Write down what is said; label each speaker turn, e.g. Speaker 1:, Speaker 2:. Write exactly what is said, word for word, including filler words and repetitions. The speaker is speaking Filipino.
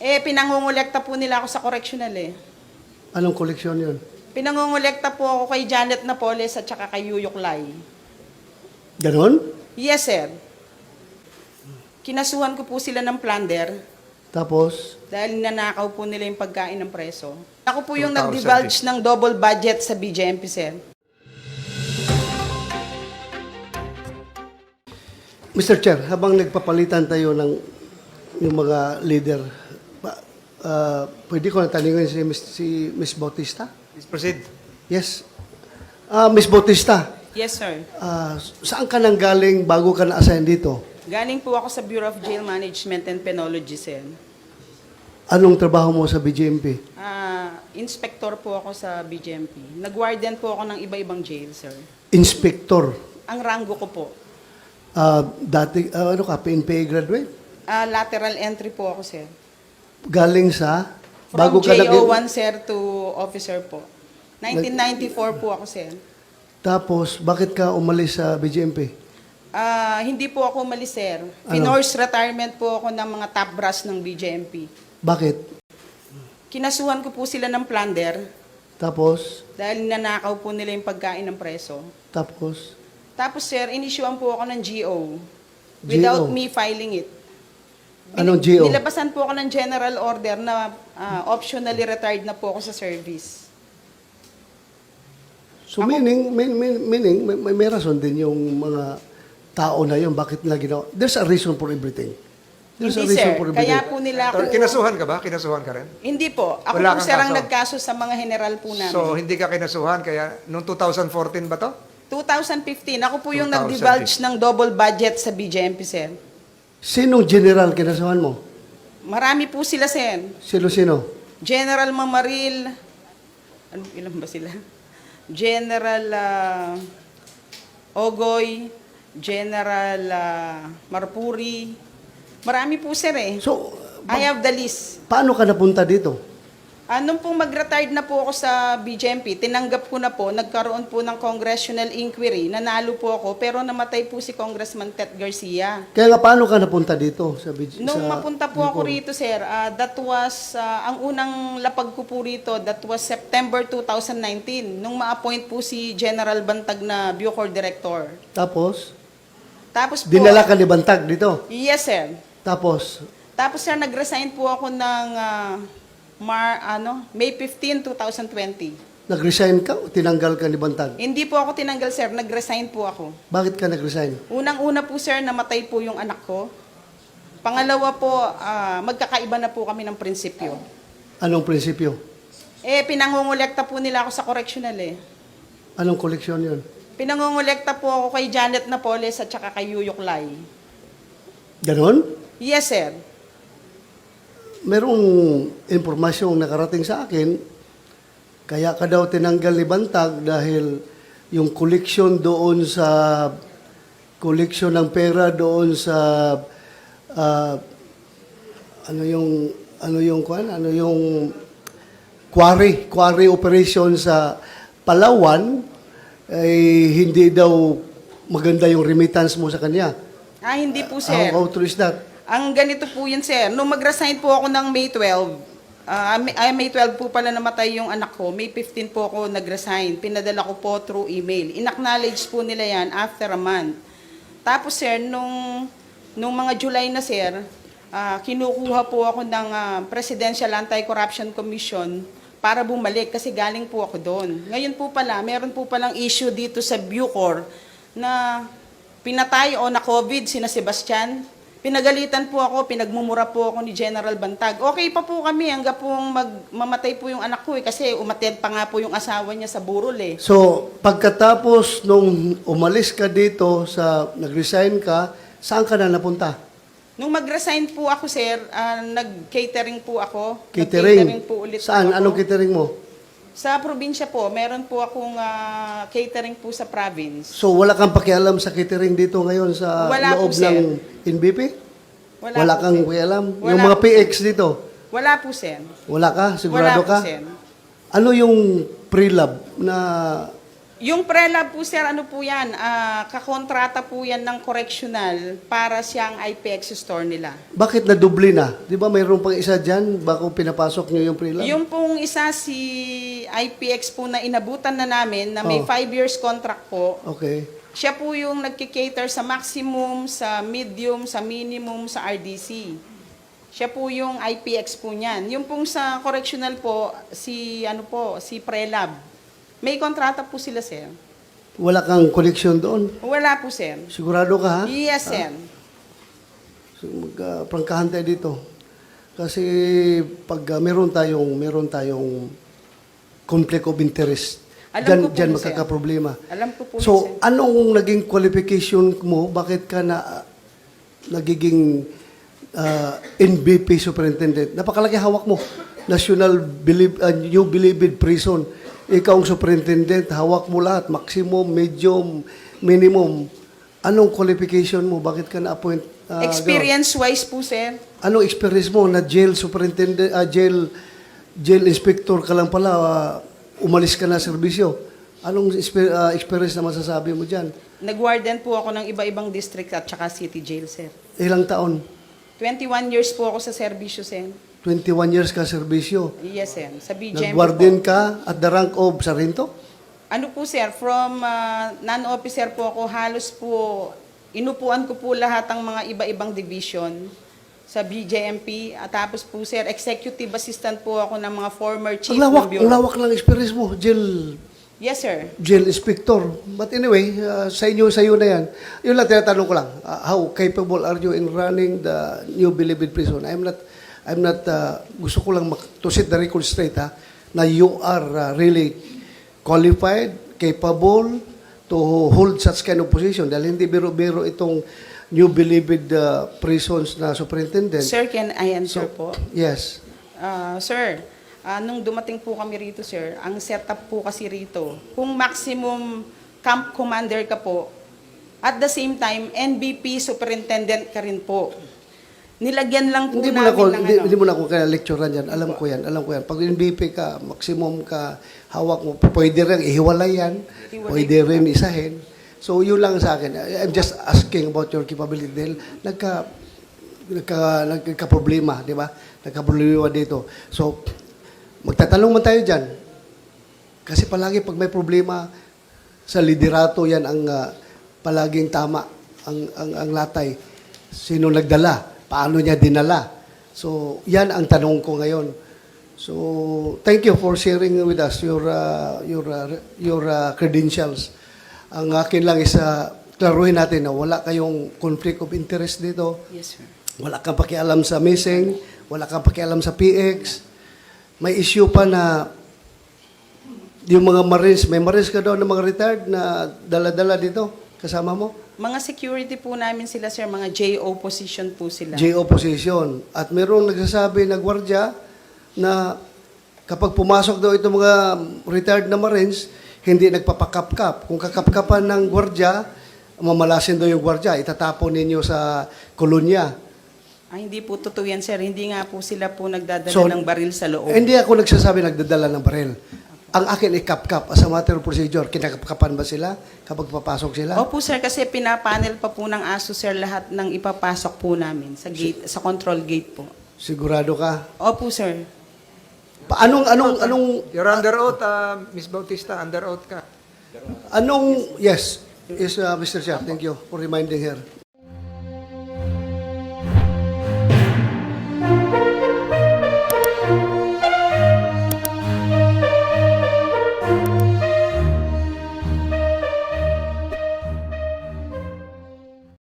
Speaker 1: Eh, pinangungulekta po nila ako sa correctional eh.
Speaker 2: Anong koleksyon yun?
Speaker 1: Pinangungulekta po ako kay Janet Napoles at saka kay Yuyok Lai.
Speaker 2: Ganon?
Speaker 1: Yes, sir. Kinasuhan ko po sila ng plunder
Speaker 2: Tapos,
Speaker 1: dahil nanakaw po nila yung pagkain ng preso. Ako po yung
Speaker 3: two thousand
Speaker 1: nag-divulge ng double budget sa B J M P, sir.
Speaker 2: Mister Chair, habang nagpapalitan tayo ng yung mga leader, ba, ah, pwede ko na tanungin si, Miss- si Miss Bautista?
Speaker 3: Please proceed.
Speaker 2: Yes. Ah, Miss Bautista,
Speaker 1: Yes, sir.
Speaker 2: ah, saan ka nang galing bago ka na-assign dito?
Speaker 1: Galing po ako sa Bureau of Jail Management and Penology, sir.
Speaker 2: Anong trabaho mo sa B J M P?
Speaker 1: Ah, inspector po ako sa B J M P. Nag-warden po ako ng iba-ibang jail, sir.
Speaker 2: Inspector.
Speaker 1: Ang rango ko po.
Speaker 2: Ah, dati, ah, ano ka, P N P A graduate?
Speaker 1: Ah, lateral entry po ako, sir.
Speaker 2: Galing sa,
Speaker 1: From
Speaker 2: bago ka
Speaker 1: J O
Speaker 2: naging-
Speaker 1: one, sir, to officer po. nineteen ninety-four po ako, sir.
Speaker 2: Tapos, bakit ka umalis sa B J M P?
Speaker 1: Ah, hindi po ako umalis, sir.
Speaker 2: Ano?
Speaker 1: Pinorse retirement po ako ng mga top brass ng B J M P.
Speaker 2: Bakit?
Speaker 1: Kinasuhan ko po sila ng plunder
Speaker 2: Tapos,
Speaker 1: dahil nanakaw po nila yung pagkain ng preso.
Speaker 2: tapos,
Speaker 1: Tapos, sir, inisyuan po ako ng G O without
Speaker 2: G O?
Speaker 1: me filing it.
Speaker 2: Anong G O?
Speaker 1: Nilabasan po ako ng general order na ah, optionally retired na po ako sa service.
Speaker 2: So meaning, mean- mean- meaning may, may, may rason din yung mga tao na yun, bakit nila ginawa. There's a reason for everything. There's
Speaker 1: Hindi,
Speaker 2: a reason
Speaker 1: sir.
Speaker 2: for everything.
Speaker 1: Kaya po nila ako...
Speaker 3: Or, kinasuhan ka ba? Kinasuhan ka rin?
Speaker 1: Hindi po. Ako
Speaker 3: Wala
Speaker 1: po,
Speaker 3: kang
Speaker 1: sir, ang
Speaker 3: kaso.
Speaker 1: nagkaso sa mga general po namin.
Speaker 3: So, hindi ka kinasuhan, kaya noong two thousand fourteen ba to?
Speaker 1: twenty fifteen, ako po yung
Speaker 3: two thousand
Speaker 1: nag-divulge ng double budget sa B J M P, sir.
Speaker 2: Sinong general kinasuhan mo?
Speaker 1: Marami po sila, sir.
Speaker 2: Sino-sino?
Speaker 1: General Mamaril, ano, ilan ba sila? General ah, Ogoy, General ah, Marpuri. Marami po, sir, eh.
Speaker 2: So,
Speaker 1: I have the list.
Speaker 2: paano ka napunta dito?
Speaker 1: Anong pong mag-retired na po ako sa B J M P, tinanggap ko na po, nagkaroon po ng congressional inquiry, nanalo po ako, pero namatay po si Congressman Ted Garcia.
Speaker 2: Kaya nga, paano ka napunta dito? Sa, B J
Speaker 1: Nung
Speaker 2: sa
Speaker 1: mapunta po ako
Speaker 2: Bicol?
Speaker 1: rito, sir, ah, that was, ah, ang unang lapag ko po rito, that was September two thousand nineteen, nung ma-appoint po si General Bantag na Bucor Director.
Speaker 2: Tapos,
Speaker 1: Tapos po,
Speaker 2: dinala ka ni Bantag dito.
Speaker 1: yes, sir.
Speaker 2: Tapos,
Speaker 1: Tapos, sir, nag-resign po ako ng ah, Mar, ano, May fifteenth, twenty twenty.
Speaker 2: nag-resign ka o tinanggal ka ni Bantag?
Speaker 1: Hindi po ako tinanggal, sir, nag-resign po ako.
Speaker 2: Bakit ka nag-resign?
Speaker 1: Unang-una po, sir, namatay po yung anak ko. Pangalawa po, ah, magkakaiba na po kami ng prinsipyo.
Speaker 2: Anong prinsipyo?
Speaker 1: Eh, pinangungulekta po nila ako sa correctional eh.
Speaker 2: Anong koleksyon yun?
Speaker 1: Pinangungulekta po ako kay Janet Napoles at saka kay Yuyok Lai.
Speaker 2: Ganon?
Speaker 1: Yes, sir.
Speaker 2: Merong impormasyong nakarating sa akin, kaya ka daw tinanggal ni Bantag dahil yung koleksyon doon sa koleksyon ng pera doon sa ah, ano yung ano yung kwan ano yung quarry quarry operation sa Palawan ay hindi daw maganda yung remittance mo sa kanya.
Speaker 1: Ah, hindi po, sir.
Speaker 2: How, how true is that?
Speaker 1: Ang ganito po yun, sir. Nung mag-resign po ako ng May twelfth, ah, May, ay, May twelfth po pala namatay yung anak ko. May fifteenth po ako nag-resign. Pinadala ko po through email. In-acknowledge po nila yan after a month. Tapos, sir, nung, nung mga July na, sir, ah, kinukuha po ako ng ah, Presidential Anti-Corruption Commission para bumalik kasi galing po ako doon. Ngayon po pala, meron po palang issue dito sa Bucor na pinatay o na COVID sina Sebastian. Pinagalitan po ako, pinagmumura po ako ni General Bantag. Okay pa po kami hanggang pong mag, mamatay po yung anak ko eh, kasi umatid pa nga po yung asawa niya sa burol eh.
Speaker 2: So, pagkatapos nung umalis ka dito sa nag-resign ka, saan ka na napunta?
Speaker 1: Nung mag-resign po ako, sir, ah, nag-catering po ako.
Speaker 2: Catering?
Speaker 1: Nag-catering po ulit
Speaker 2: Saan?
Speaker 1: po ako.
Speaker 2: Anong catering mo?
Speaker 1: Sa probinsya po, meron po akong ah, catering po sa province.
Speaker 2: So, wala kang pakialam sa catering dito ngayon sa
Speaker 1: Wala po,
Speaker 2: loob
Speaker 1: sir.
Speaker 2: ng N B P?
Speaker 1: Wala,
Speaker 2: Wala,
Speaker 1: po,
Speaker 2: kang
Speaker 1: sir.
Speaker 2: pakialam?
Speaker 1: Wala
Speaker 2: Yung mga
Speaker 1: po,
Speaker 2: P X dito?
Speaker 1: Wala po, sir.
Speaker 2: Wala ka? Sigurado
Speaker 1: Wala po,
Speaker 2: ka?
Speaker 1: sir.
Speaker 2: Ano yung pre-lab na
Speaker 1: Yung pre-lab po, sir, ano po yan? Ah, kakontrata po yan ng correctional para siyang I P X store nila.
Speaker 2: Bakit nadubli na? Di ba mayroon pang isa dyan bago pinapasok nyo yung pre-lab?
Speaker 1: Yung pong isa si I P X po na inabutan na namin na may
Speaker 2: Oh.
Speaker 1: five years contract po,
Speaker 2: Okay.
Speaker 1: siya po yung nagkikater sa maximum, sa medium, sa minimum, sa R D C. Siya po yung I P X po niyan. Yung pong sa correctional po, si ano po, si Prelab. May kontrata po sila, sir.
Speaker 2: Wala kang connection doon?
Speaker 1: Wala po, sir.
Speaker 2: Sigurado ka, ha?
Speaker 1: Yes, sir.
Speaker 2: So, magprangkahan tayo dito. Kasi pag uh, meron tayong meron tayong conflict of interest,
Speaker 1: Alam
Speaker 2: dyan,
Speaker 1: ko po
Speaker 2: dyan
Speaker 1: yun, sir.
Speaker 2: magkakaproblema.
Speaker 1: Alam ko po,
Speaker 2: So,
Speaker 1: yun, sir.
Speaker 2: anong naging qualification mo? Bakit ka na uh, nagiging uh, N B P superintendent? Napakalaki hawak mo. National Believe, uh, New Bilibid Prison. Ikaw ang superintendent, hawak mo lahat. Maximum, medium, minimum. Anong qualification mo? Bakit ka na-appoint? uh,
Speaker 1: Experience-wise po, sir.
Speaker 2: Anong experience mo na jail superintendent, ah, jail jail inspector ka lang pala, ah, umalis ka na sa serbisyo? Anong espe- ah, experience na masasabi mo diyan?
Speaker 1: Nag-warden po ako ng iba-ibang district at saka city jail, sir.
Speaker 2: Ilang taon?
Speaker 1: twenty-one years po ako sa serbisyo, sir.
Speaker 2: twenty-one years ka serbisyo.
Speaker 1: Yes, sir. Sa B G M P po.
Speaker 2: Nagwarden ka at the rank of sargento?
Speaker 1: Ano po, sir, from uh, non-officer po ako, halos po, inupuan ko po lahat ang mga iba-ibang division sa B J M P. At tapos po, sir, executive assistant po ako ng mga former chief
Speaker 2: Ang lawak,
Speaker 1: ng
Speaker 2: ang
Speaker 1: bureau.
Speaker 2: lawak lang experience mo, jail
Speaker 1: Yes, sir.
Speaker 2: jail inspector. But anyway, uh, sa inyo, sa iyo na yan. Yun lang, tinatanong ko lang, uh, how capable are you in running the New Bilibid Prison? I'm not, I'm not, uh, gusto ko lang mak- to set the record straight, ha, na you are uh, really qualified, capable to hold such kind of position. Dahil hindi biro-biro itong New Bilibid uh, Prisons na superintendent.
Speaker 1: Sir, can I answer
Speaker 2: So,
Speaker 1: po?
Speaker 2: Yes.
Speaker 1: Ah, sir, ah, nung dumating po kami rito, sir, ang setup po kasi rito, kung maximum camp commander ka po, at the same time, N B P superintendent ka rin po. Nilagyan lang po
Speaker 2: Hindi mo na
Speaker 1: namin
Speaker 2: ako,
Speaker 1: ng
Speaker 2: hindi,
Speaker 1: ano.
Speaker 2: hindi mo na ako kaya lecturean yan. Alam ko yan, alam ko yan. Pag N B P ka, maximum ka, hawak mo, pwede rin ihiwalay yan,
Speaker 1: Hiwalay.
Speaker 2: pwede rin isahin. So, yun lang sa akin. I'm just asking about your capability. Dahil nagka, nagka, nagka-problema, di ba? Nagka-problema dito. So, magtatanong man tayo dyan. Kasi palagi pag may problema sa liderato, yan ang ah, palaging tama, ang, ang, ang latay. Sino nagdala? Paano niya dinala? So, yan ang tanong ko ngayon. So, thank you for sharing with us your uh, your uh, your uh, credentials. Ang akin lang is uh, klaruhin natin na wala kayong conflict of interest dito.
Speaker 1: Yes, sir.
Speaker 2: Wala kang pakialam sa missing, wala kang pakialam sa P X. May issue pa na yung mga Marines, may Marines ka daw na mga retired na dala-dala dito kasama mo?
Speaker 1: Mga security po namin sila, sir, mga J O position po sila.
Speaker 2: J O position. At mayroong nagsasabi na gwardiya na kapag pumasok daw itong mga retired na Marines, hindi nagpapakapkap. Kung kakapkapan ng gwardiya, mamalasin daw yung gwardiya, itatapon ninyo sa kolonya.
Speaker 1: Ay, hindi po totoo yan, sir. Hindi nga po sila po nagdadala
Speaker 2: So,
Speaker 1: ng baril sa loob.
Speaker 2: Hindi ako nagsasabi nagdadala ng baril. Ang akin ay kapkap. As a matter of procedure, kinakapkapan ba sila kapag papasok sila?
Speaker 1: Opo, sir, kasi pinapanel pa po ng ASO, sir, lahat ng ipapasok po namin sa gate, sa control gate po.
Speaker 2: Sigurado ka?
Speaker 1: Opo, sir.
Speaker 2: Pa- Anong, anong, anong,
Speaker 3: You're under oath, uh, Miss Bautista, under oath ka.
Speaker 2: anong, yes, yes, uh, Mister Chair, thank you for reminding her.